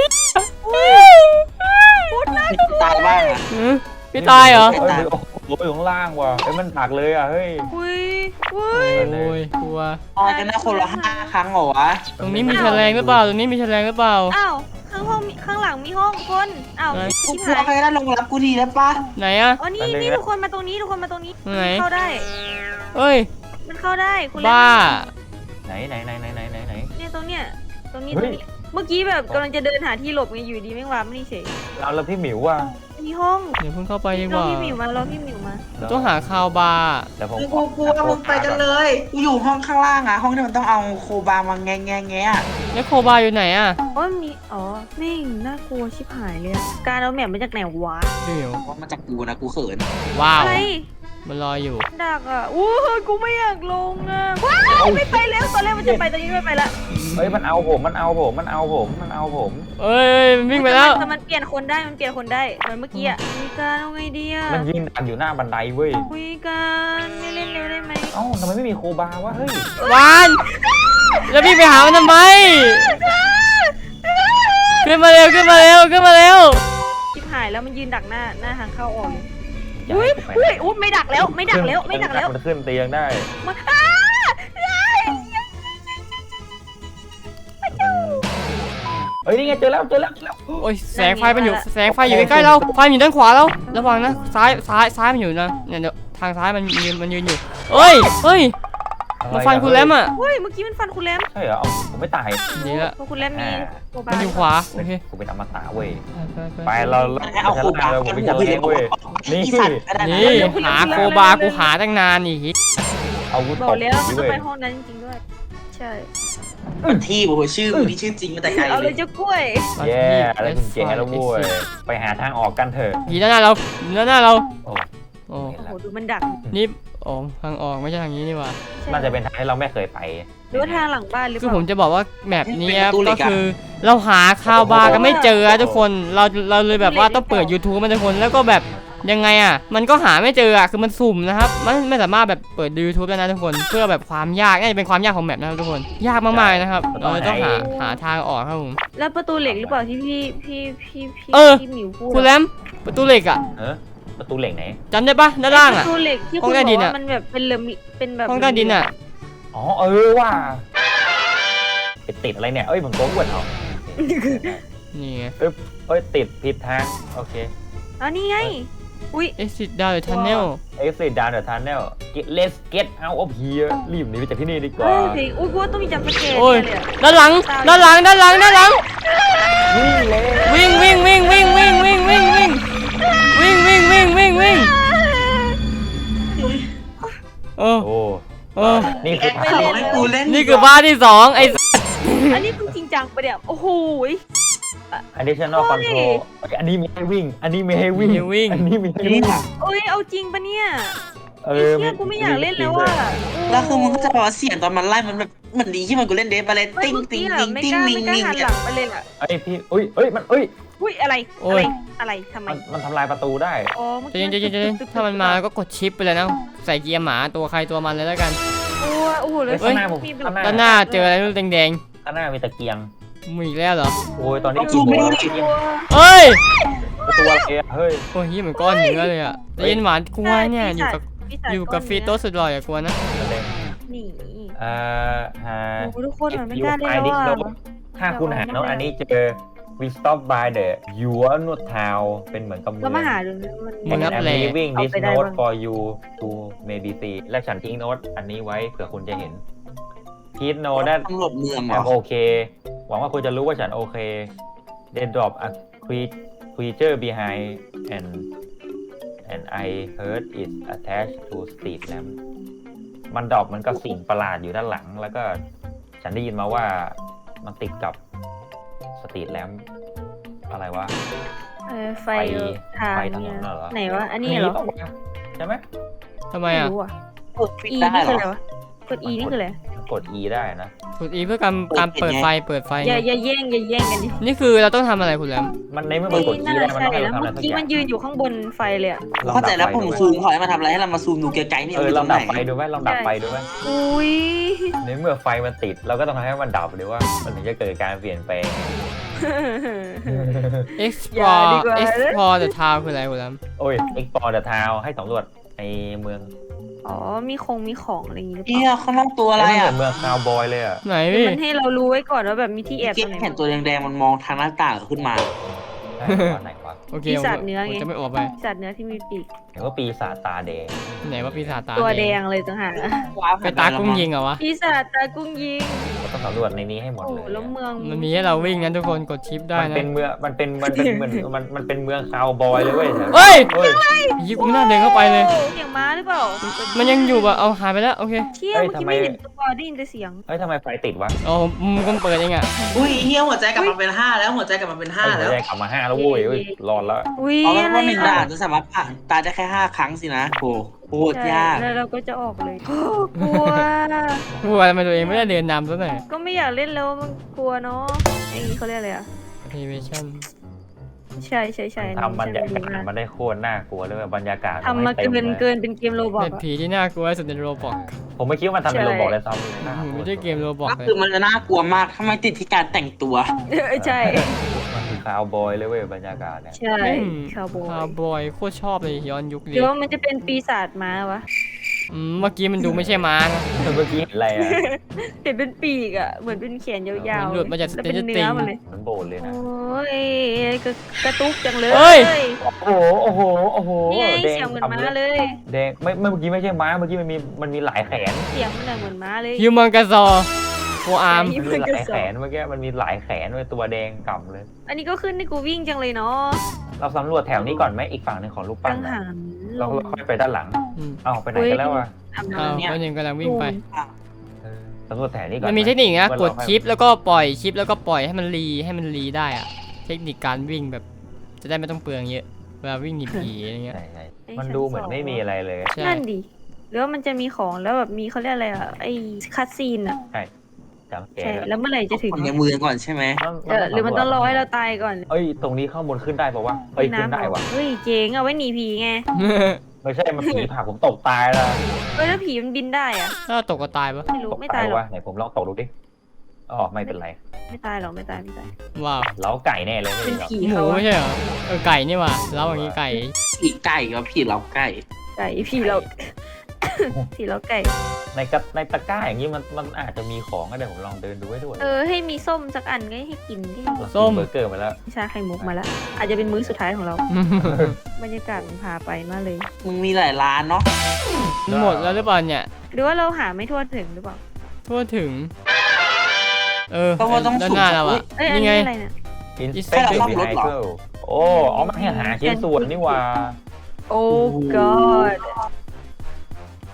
B: พูดนะ
D: นี่กูตายบ้างอ่ะ
A: หือพี่ตายเหรอ
C: เฮ้ยโอ้โหอยู่ข้างล่างว่ะเฮ้ยมันตักเลยอ่ะเฮ้ย
B: อุ้ยอุ้ย
A: โอ้ยกลัว
D: ตายกันนะคนละ5 ครั้งเหรอวะ
A: ตรงนี้มีแฉลงหรือเปล่าตรงนี้มีแฉลงหรือเปล่า
B: อ้าวข้างหลังมีห้องคนอ้าว
A: ไหน
D: กู
B: ชิบ
D: กลัว
B: หาย
D: ใครได้ลงรับกูทีได้ปะ
A: ไหนอะ
B: อ๋อนี่นี่ทุกคนมาตรงนี้ทุกคนมาตรงนี้
A: ไหน
B: เข้าได้
A: เอ้ย
B: มันเข้าได้คุณเล่น
A: บ้า
C: ไหนไหน
B: เนี่ยตรงนี้
C: เฮ้ย
B: เมื่อกี้แบบกำลังจะเดินหาที่หลบไงอยู่ดีไม่งวาร์ปไม่นี่เฉย
C: เอาแล้วพี่หมิวว่ะ
B: มีห้อง
A: เดี๋ยวเพิ่งเข้าไปดีก
B: รอ
A: ว่า
B: พี่หมิวมารอพี่หมิวมา
A: ต้องหาคาวบาร์
C: เดี๋ยวผม
D: กูกลัวมึงไปกันเลยกูอยู่ห้องข้างล่างอ่ะห้องที่มันต้องเอาโคบามาแงะ
A: แล้วโคบาร์อยู่ไหนอะ
B: อ๋อมีอ๋อแม่งน่ากลัวชิบหายเลยอะการเอาแมปมาจากไหนวะ
A: พี่หมิว
D: เพราะมาจากกูนะกูเขิน
A: ว้าว
B: อะไร
A: มันรออยู่
B: ดักอ่ะอู้กูไม่อยากลงอ่ะว้าวไม่ไปแล้วตอนแรกมันจะไปตอนนี้ไม่ไปละ
C: เฮ้ยมันเอาผม
A: เอ้ยมันวิ่งไปแล้ว
B: แต่มันเปลี่ยนคนได้เหมือนเมื่อกี้อ่ะมีการเอาไงดีอ่ะ
C: มันยืนดักอยู่หน้าบันไดเว้ย
B: คุยกันไม่เล่นเร็วได้ไหม
C: เอ้าทำไมไม่มีโคบาวะเฮ้ย
A: วานแล้วพี่งไปหามันทำไมขึ้นมาเร็ว
B: ชิบหายแล้วมันยืนดักหน้าทางเข้าออกเลย
C: อย่า
B: อุ้
C: ให้
B: ย
C: กูไป
B: อุ้ยไม่ดักแล้วไม่ดักแล้ว
C: มันขึ้นเตียงได้
B: มา
C: เฮ้ยนี่ไงเจอแล้ว
A: โอ้ยแสงไฟมันอยู่แสงไฟอยู่ใกล้ๆเราไฟมันอยู่ด้านขวาเราระวังนะซ้ายมันอยู่นะเนี่ยเดี๋ยวทางซ้ายมันยืนอยู่เอ้ยมาฟันคุณแลมอ่ะ
B: เฮ้ยเมื่อกี้มันฟันคุณแรม
C: ใช่เหรอเอาผมไม่ตาย
A: ดีละ
B: เพราะคุณแรมมีโคบา
A: มันอยู่ขวาโอเค
C: กูเป็นอมตะเว้ย
A: ไป
C: ไปเรา
D: ให้เอาโคบา
C: ผม
D: หั
C: เป็น
D: ว
C: ชา
D: พี่
C: เล
D: เล็
C: ง
D: ก
C: เว้ยนี่
D: นี่สัตว์ก็ได้นะ
A: นี่หาโคบากูหาตั้งนานนี่
C: อาวุธ
B: บอ
C: ต
B: ก
C: บ
B: แล้วมัน
C: เว้
B: ต้อง
C: ย
B: ไปห้องนั้นจริงๆด้วยใช่
D: ที่โอ้โหชื่อมึงนี่ชื่อจริงมาแต่ไกล
B: เอา
D: เล
B: เลย ยเจ้ากล้วย
C: แย่อะไรกุญแจแล้วเว้ยไปหาทางออกกันเถอะ
A: ผีด้านหน้าเรา
C: โอ้
A: โอ้
B: โอ้โหดูมันดัก
A: นี่โอ้ทางออกไม่ใช่ทางนี้นี่หว่า
C: น่าจะเป็นทางที่เราไม่เคยไป
B: หรือว่าทางหลังบ้านหรือเป
A: คือ
B: ล่า
A: ผมจะบอกว่าแมปนี้ก็คือเราหาคาวบาร์กันไม่เจอทุกคนเราเลยแบบว่าต้องเปิด YouTube มันทุกคนแล้วก็แบบยังไงอ่ะมันก็หาไม่เจออ่ะคือมันสุ่มนะครับมันไม่สามารถแบบเปิด YouTube ได้นะทุกคนเพื่อแบบความยากน่าจะเป็นความยากของแมปนะครับทุกคนยากมากๆนะครับเราเลยต้องหาทางออกครับผม
B: แล้วประตูเหล็กหรือเปล่าที่พี่หมิวพูด
A: คุณแรมประตูเหล็กอ่ะ
C: ประตูเหล็กไหน
A: จำได้ปะด้านล่าง
B: ป
A: อ่ะ
B: ระตูเหล็กที่
A: ห้
B: คุ
A: อง
B: ณ
A: ใต้
B: บ
A: ดิ
B: อก
A: นอะ
B: ว่ามันแบบเป็นแบบ
A: ห้องใต้ดินอ่ะ
C: อ๋อว่าไปติดอะไรเนี่ยเอ้ยผมโกงอ้วนเอา
A: นี่ไง
C: เอ้ยติดผิดทางโอเค
B: อ๋อนี่ไงอุ้ย
A: exit down the tunnel
C: exit down the tunnel let's get out of here รีบหนีไปจากที่นี่ดีกว่า
B: เพลงอุ้ยกูว่าต้องมีจำสเกต
A: โอ้ย
B: เลยอะ
A: ด้านหลัง
C: วิ่งเลย
A: วิ่ง
C: นี่คือ
D: ไม่บอกให้กูเล่น
A: นี่คือบ้านที่สองไอ้
B: อันนี้คือจริงจังปะเนี่ยโอ้โหย
C: additional control อันนี้มีให้วิ่ง อันนี้มีให้วิ่ง
A: มีวิ่ง
C: อันนี้มีให้
D: นี่
C: วิ่ง
D: ค่ะ
B: เอ้ยเอาจริงปะเนี่ย
C: เอ
B: ไอ้
C: อ
B: เชี่ยกูไม่อยากเล่นแล้วว่ะ
D: แล้วคือมึงก็จะบอกว่าเสียงตอนมันไล่มันแบบเหมือนดีที่มันกูเล่นเดฟอะไร
B: เฮ้ย
D: ติ้ง
B: เมื่อ
D: ติ้
B: กี้
D: ง
B: อะ
D: ติ้ง
B: ไม่
D: ติ้ง
B: กล้า
D: นิ่ง
B: ไม่กล้า
D: นิ่ง
B: หันหลังไปเลยอ่ะ
C: ไอพี่เอ้ยมันเอ้ย
B: อุ้ยอะไร
A: โอ้
B: อะไร
A: ย
B: อะไรทำไม
C: มันทำลายประตูได้
B: อ๋อเมื่อ
A: ใจ
B: กี้
A: เย็นใจเย็นใจเย็นถ้ามันมาก็กดชิปไปเลยนะ ใส่เกียร์หมาตัวใครตัวมันเลยแล้วกัน
B: โอ้โหเลย
C: เฮ้ยข้างหน้าผม
B: มีแบบ
C: ข้างหน้า
A: ด้านหน้าเจออะไรรูปแดง
C: ข้างหน้ามีตะเกียง
A: ๆมีอีกแล้วเหรอ
C: โอ้ยตอนนี้
D: ซูมไม่
C: กี่
D: ได้
C: โมง
A: เอ้ย
C: ตัวอะไรอะเฮ้ย
A: โอ้ยเหมือนก้อนเนื้อเลยอ่ะใจเย็นหวานกลัวเนี่ยอยู่กับ
B: ปีศาจ
A: อยู่กับ
B: ก้น
A: ฟี
B: เนื้
A: โต้สุดหล่ออย่ากลัวนะ
C: ประเด็น
B: นี่
C: หา
B: โอ้โหทุกคนมันไม่
C: If
B: กล้า
C: you
B: เล่น
C: find
B: แล้ว
C: this
B: อ่ะ
C: note ถ้าคุณหาโน้ตอันนี้เจอ we stop by the your note town เป็นเหมือนกับเมื
B: เรา
C: อง
B: มาหาดูนะมัน
A: มึงนับ
C: I'm
A: แล
C: leaving
B: เอา
C: this
B: ไปได้
C: note
B: บ้าง
C: for you to maybe see และฉันทิ้งโน้ตอันนี้ไว้เผื่อคุณจะเห็น Please know that
D: ตำรวจเมืองเหรอ
C: I'm okay หวังว่าคุณจะรู้ว่าฉันโอเค They drop a creature behind and I heard it attached to street lamp มันดรอปมันก็สิ่งประหลาดอยู่ด้านหลัง แล้วก็ฉันได้ยินมาว่ามันติดกับสตรีทแลมป์อะไรวะ
B: ไฟทาง
C: ไฟถน
B: เนี่ย
C: นน่ะเหรอ
B: ไหนวะอันนี้เหรอ
C: ปะวะใช่ไหม
A: ทำไม
B: ไม่
A: อ่ะ
B: รู้อ่ะ
D: เปิดปิด
B: E
D: ได้
B: นี่
D: เหร
B: คือ
D: อ
B: อะไรวะกด E นี่คืออะไร
C: กด E ได้นะ
A: กด E เพื่อการเปิดไฟเปิดไฟ
B: อย่า
A: ไง
B: อย่าแย่งกันดิ
A: นี่คือเราต้องทำอะไรคุณแหลม
C: มันในเมื่อมันกด E
B: น่า
C: ได้
B: จะ
C: มัน
B: ใช่
C: ต้องให้
B: แล้ว
C: เราทำอะไร
B: เมื่อ
C: สัก
B: กี้
C: อย่า
B: มั
C: ง
B: นยืนอยู่ข้างบนไฟเลยอ่ะ
D: เข้าใจแล้วผมซูมขอให้มันทำอะไรให้เรามาซูมดูไกลๆนี่
C: ลองดับไฟ
D: ไฟ
C: ดูไหมลองดับไฟดูไหม
B: อุ้ย
C: ในเมื่อไฟมันติดเราก็ต้องทำให้มันดับหรือว่ามันถึงจะเกิดการเปลี่ยนแปลง
B: อย่าดี
A: explore
B: กว่า
A: explore the town คืออะไรคุณแหลม
C: โอ้ย explore the town ให้สำรวจในเมือง
B: อ๋อมีของอะไรอย่างงี้หรือเป
D: เฮีย
B: ล่า
D: ข้างนอกตัวอะไร
C: เอ้ย
D: อ่ะ
C: มันเหมือนเมืองคาวบอยเลยอ่ะ
A: ไหน
B: คือ
A: พี่
B: มันให้เรารู้ไว้ก่อนว่าแบบมีที่แอบ
D: เก็
B: ตรงไหน
D: เห็นตัวแดงๆมันมองทางหน้าต่างขึ้นมา
C: ไหนวะ
A: โอเค
B: ปี
A: ผม
B: ศาจเนื้อ
A: ผม
B: ไง
A: จะไม่ออกไป
B: สัตว์เนื้อที่มีปีก
C: เห็นว่าปีศาจตาแดง
A: ไหนว่าปีศาจตา
B: ตัวแด
A: แด
B: งเลยต่างหาก
A: ไปตากุ้งยิงเหรอวะ
B: ปีศาจตากุ้งยิง
C: เราต้องสำรวจในนี้ให้หมด
B: โอ้
C: เลย
B: แล้วเมือง
A: มันมีให้เราวิ่งนั้นทุกคนกดชิปได้
C: มัน
A: นะ
C: เป็นเมืองมันเป็นเหมือนมันเป็นเมืองคาวบอยเลยเว้ย
A: เฮ้ย
C: เฮ้ย
A: ยิงกูไม่น่าเดินเข้าไปเลย
B: โอ้เสียงม้าหรือเปล่า
A: มันยังอยู่ป่ะเอาหายไปแล้วโอเค
B: เชี่ยเมื่อกี้ไม่เห็นตัวได้ยินแต่เสียง
C: เฮ้ยทำไมไฟติดวะ
A: อ๋อผมก็เปิดเองอ่ะ
D: อุ้ยเฮียหัวใจกลับมาเป็น5แล้วหัวใจกลับมาเป็น5
C: เฮ้ย
D: แล้ว
C: หัวใจกลับมา5แล้วเว้ยเฮ้ยรอดแล้ว
B: อุ้ย
D: เพราะ
B: อะไร
D: ว่าหนึ่ง
B: อ่ะ
D: ด่านจะสามารถผ่านตายได้แค่5 ครั้งสินะโอ้โหดยาก
B: แล้วเราก็จะออกเลยกลัว
A: กลัวทำไมตัวเองไม่ได้เดินนำซะหน่อย
B: ก็ไม่อยากเล่นแล้วมันกลัวเนาะไอ้เขาเรียกอะไรอ่ะ
A: animation
B: ใช่
C: ทำบรรยากาศมันได้โคตรน่ากลัวเลยบรรยากาศ
B: ทำมา
C: ต็
B: เกิน
C: ลย
B: เกินเป็นเกมโรบอท
A: เป็นผีที่น่ากลัวที่สุดในโรบอก
C: ผมไม่คิดว่ามันทำเป็นโรบอทเลยซ้ำน่ากลัว
A: ไม่ใช่เกมโรบอก
D: ก็
A: เลย
D: คือมันจะน่ากลัวมากถ้าไม่ติดที่การแต่งตัว
B: ใช่
C: มันคือคาวบอยเลยเว้ยบรรยากาศเนี่ย
B: ใช่คาวโบ
A: คาวบอยโคตรชอบเลยย้อนยุค
B: ห
A: เล
B: รื
A: ย
B: อว่ามันจะเป็นปีศาจม้าวะ
A: เมื่อกี้มันดูไม่ใช่ม้านะ
C: เมื่อกี้เห็นอะไรอ่ะ
B: เห็นเป็นปีกอ่ะเหมือนเป็นแขนยาวๆ
A: หลุดมาจาก
B: แล้วเป็น
A: Stranger
B: เนื้อ
A: Things
B: มันเลย
C: เหมือนโบสถ์เลยนะ
B: โอ้ยกระตุกจังเลย
A: เฮ้ย
C: โอ้โห
B: นี่ไง
C: แดง
B: เสียงเหมือน
C: กำ
B: ม้า
C: เลย
B: เลย
C: แดงไม่เมื่อกี้ไม่ใช่ม้าเมื่อกี้มันมีหลายแขน
B: เสียงมันเหมือนม้าเลย
A: ฮิวมังกาซอโฟอาร์ม
B: ใช่
C: มันมีหลายแขนเมื่อกี้มันมีหลายแขนเว้ยตัวแดงกำเลย
B: อันนี้ก็ขึ้นให้กูวิ่งจังเลยเนาะ
C: เราสำรวจแถวนี้ก่อนไหมอีกฝั่งหนึ่งของรูปปั้
B: กั
C: น
B: ง
C: น่ะ
B: หันล
C: เรา
B: ง
C: ค่อยไปด้านหลัง เอ้าไปไหนกันแล้วอ่ะ
B: ทำ
A: เอา
B: น้ำเนี่ย
A: คนหนึ่งกำลังวิ่งไป
C: สำรวจแถวนี้ก่อน
A: มันมีเทคนิคนะ
C: ไห
A: กดชิปแล้วก็ปล่อยชิปแล้วก็ปล่อยให้มันรีได้อะเทคนิคการวิ่งแบบ จะได้ไม่ต้องเปลืองเยอะเวลาวิ่งหนีผีอะไรเงี้ย
C: ใช่มันดูเหมือนไม่มีอะไรเลย
A: ใช่
B: นั่นดิหรือว่ามันจะมีของแล้วแบบมีเขาเรียกอะไรอ่ะไอ้คัตซีนอ่ะ
C: จำแก
B: ใช่แล้วเมื่อไหร่จะถึง
D: ผมในมือก่อนใช่ไหม
B: หรือมันต้องรอให้เราตายก่อน
C: เอ้ยตรงนี้ข้างบนขึ้นได้ปะวะเอ้ยขึ้นได้วะ
B: เฮ้ยเจ๋งเอาไว้หนีผีไง
C: ไม่ใช่มันผีผักผมตกตายแล้ว
B: เฮ้ยแล้วผีมันบินได้อ่ะ
A: ถ้าตกก็ตายปะ
B: ไม่รู้
C: ตก
B: ไม่ตายหรอก
C: วะไหนผมลองตกดูดิอ๋อไม่เป็นไร
B: ไม่ตายหรอกไม่ตาย
A: ว้าว
C: เล้าไก่แน่เลยไม่
B: เป็น
C: มีหรอก
B: ผี
A: หมู
B: เขา
A: ไม่ใช่เหรอไก่นี่ว่ะแล้วอย่างงี้ไก่
D: ผีไก่กับผีเราไก่
B: ไก่ผีเรา ผีเราไก่
C: ในตะกร้าอย่างนี้มันอาจจะมีของก็ได้ผมลองเดินดูให้ด้วย
B: ให้มีส้มสักอันก็ให้กินที่
C: เรากินเบอร์เกอร์มาแล้ว
B: ชาไข่มุกมาแล้ว อาจจะเป็นมื้อสุดท้ายของเรา บรรยากาศมันพาไปมากเลย
D: มึงมีหลายร้านเนาะ
A: หมดแล้วหรือเปล่าเนี่ย
B: หรือว่าเราหาไม่ทั่วถึงหรือเปล่า
A: ทั่วถึง
D: เพราะว่าต้อง
A: ด้าน
D: สุ่ม
A: หน้าเราอะ
B: เอ้ยอัน
A: นี่ไง
B: นี้อะไรเนี่ย
C: Inspect the
D: ให้เราซ่อมรถเหรอ
C: vehicle โอ้เอามาให้หาชิ้นส่วนนี่หว่า
B: โอ้ god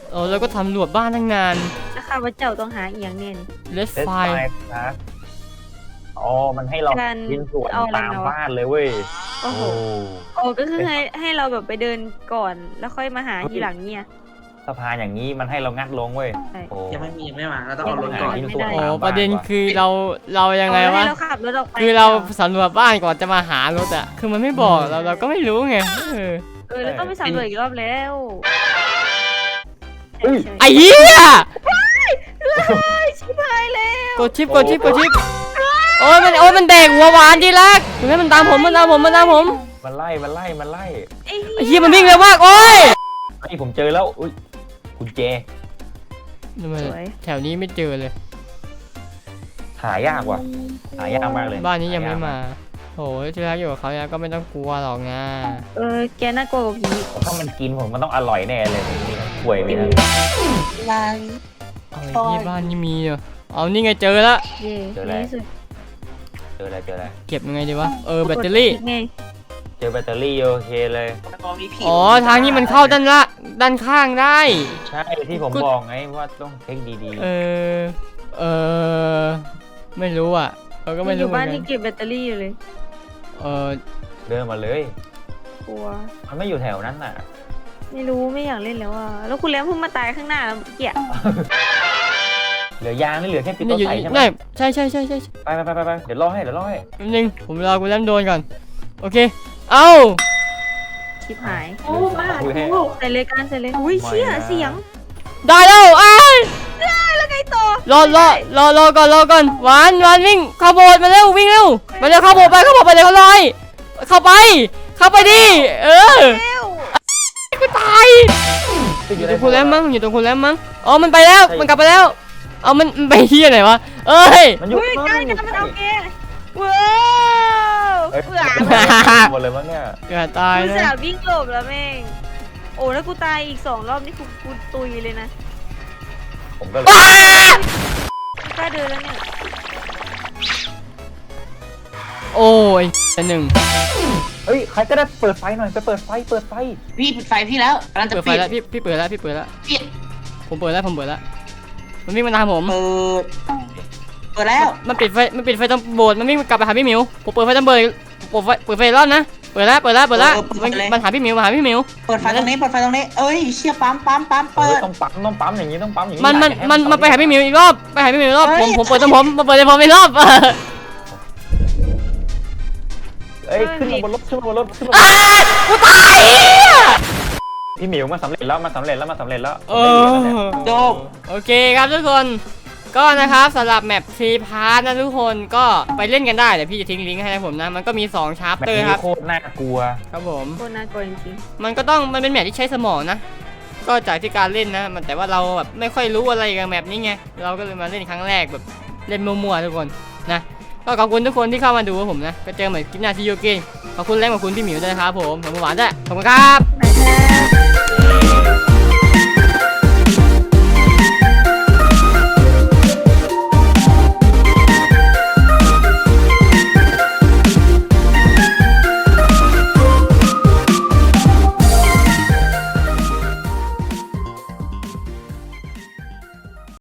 A: แล้วก็ทำรวจบ้านตั้งนาน
B: แล้วข้าพเจ้าต้องหาอีกอย่างเนี่ยนี่
A: Let's
C: เดสไฟ
A: find
C: ครับอ๋อมันให้เรา
B: การ
C: ยินสวน
B: เอาอะไร
C: ตาม
B: มาวะ
C: บ้านเลยเว้ย
B: โอ้โหโอ้ก็คือให้เราแบบไปเดินก่อนแล้วค่อยมาหาทีหลังเนี่ย
C: สะพานอย่างนี้มันให้เรางัดลงเว้ย
B: ใช่
C: โอ้
D: ยังไม่มาเราต้องเอารถก่อน
C: ยินส่วน
A: โอ้
C: ตามบ้าน
A: ประเด็น
C: ว่ะ
A: คือเรายังไง
B: เอา
A: วะ
B: ให้เราขับรถออกไป
A: คือเราสำรวจบ้านก่อนจะมาหารถอะคือมันไม่บอกเราก็ไม่รู้ไง
B: แล้วต้องไปสำรวจอีกรอบแล้ว
C: เฮ้ย
B: ใช่
A: ไอ้เหี้ย
B: ชิบหายแล้ว
A: กดชิปโอ้ยมันแดกหัวหวานดีลักถึงให้มันตามผม
C: มันไล่
B: ไอ้
A: ไอ้เหี้ยมันวิ่งเร็วมากโอ้ย
C: ไอ้ผมเจอแล้วอุ้ยกุญแจ
A: ทำไมแถวนี้ไม่เจอเลย
C: หายากว่ะหายากมากเลย
A: บ้านนี้ยังไม่มาโอ้ยที่รักอยู่กับเขาแล้วก็ไม่ต้องกลัวหรอกนะ
B: แกน่ากลัวกว่าผี
C: ถ้ามันกินผมมันต้องอร่อยแน่เลยผมนี่ป่วยเลยนะ
D: ลาย
A: เอาไอ้ที่บ้านนี่มีเหรอเอานี่ไงเจอละ
B: เย่ในที่สุด
C: เจออะไร
A: เก็บยังไงดีวะแบตเตอรี่
B: ไง
C: เจอแบตเตอรี่โอเคเลย
D: พอมีผี
A: อ๋อทางนี้มันเข้าด้านข้างได้
C: ใช่ที่ผมบอกไงว่าต้องเช็คดี
A: ไม่รู้อ่ะเราก็ไม่
B: อ
A: รู้
B: ยู่
A: เหมือ
B: บ้าน
A: นกั
B: นี่
A: น
B: เก็บแบตเตอรี่อยู่เลย
C: ๆเดินมาเลย
B: กลัว
C: มันไม่อยู่แถวนั้นน่ะ
B: ไม่รู้ไม่อยากเล่นแล้วอ่ะแล้วคุณแล้มเพิ่งมาตายข้างหน้าเกี่ย
C: เหลือยางนี่เหลือแค่ปิด
A: นี่
C: ตัว
A: อยู่
C: ใส่ใช่ไหม
A: นี่ใช่
C: ไปเดี๋ยวรอให้
A: แป๊บนึงผมรอกูเล่มโดนก่อนโอเคเอ้า
B: ชิบหาย
C: โอ้มา
B: ใส่เลยการใส่เลยอุ้ยเชี่ยเสียง
A: ได้แล้วไอ้ย
B: แล้วไงต่อ
A: รอก่อนหวานวิ่งเข้าโบสถ์มาเร็ววิ่งเร็วมาเร็วเข้าโบสถ์ไปเดี๋ยวเขาลอยเข้าไปดิ
B: เร็ว
A: กูตายอยู่ตรงคุณแล้วมั้งอ๋อมันไปแล้วมันกลับไปแล้วเอามันไปเฮียไหนวะเอ้ย
C: มันอยู่
B: อุ้ยการมันเอาแกว้าว
C: เอ้ย
B: เผื่อ
C: หมดเลยมั้งเนี่ย
A: อย่าตาย
B: กู
A: นะ
B: สาวิ่งหลบแล้วแม่งโอ้แล้วกูตายอีก2 รอบนี่กูตุยเลยนะ
C: ผมก็เลย
A: ว้า
B: กูกล้าเดินแล้วเนี่ย
A: โอ้ยอันหนึ่ง
C: เฮ้ยใครก็ได้เปิดไฟหน่อยไปเปิดไฟ
D: พี่ปิดไฟพี่แล้วกำลังจะ
A: เปิดไฟ
D: ปิด
A: แล้วพี่เปิดแล้ว
D: ปิด
A: ผมเปิดแล้วมันวิ่งมาตามผม
D: เปิดแล้ว
A: มันปิดไฟตรงโบสถ์มันวิ่งกลับไปหาพี่หมิวผมเปิดไฟตรงโบสถ์เปิดไฟรอบนะเปิดแล้วมันหาพี่หมิว
D: เปิดไฟตรงนี้เอ้ยเชี่ยปั๊มเปิด
C: ต้องปั๊มอย่างนี้ต้องปั๊มอย่างนี้
A: มันไปหาพี่หมิวอีกรอบผมเปิดตรงผมมาเปิดในผมอีกรอบ
C: เอ้ยขึ้นมาบนรถ
A: กูตาย
C: พี่หมิวมาสำเร็จแล้ว
D: จบ
A: โอเคครับทุกคนก็นะครับสำหรับแมปฟรีพาร์ทนะทุกคนก็ไปเล่นกันได้เดี๋ยวพี่จะทิ้งลิงก์ให้นะผมนะมันก็มี2ชาร์ป
C: แบบ
A: เตอร์
C: นี้
A: ครับ
C: โคตรน่ากลัว
A: ครับผม
B: โคตรน่ากลัวจริง
A: มันเป็นแมปที่ใช้สมองนะก็จากที่การเล่นนะแต่ว่าเราแบบไม่ค่อยรู้อะไรกับแมปนี้ไงเราก็เลยมาเล่นครั้งแรกแบบเล่นมั่วๆทุกคนนะก็ขอบคุณทุกคนที่เข้ามาดูผมนะก็เจอเหมือนคลิปหน้าที่ยูกินขอบคุณแรงขอบคุณพี่หมิวด้วยนะครับผมขอบคุณหวานด้วยขอบคุณครับ
B: ๆ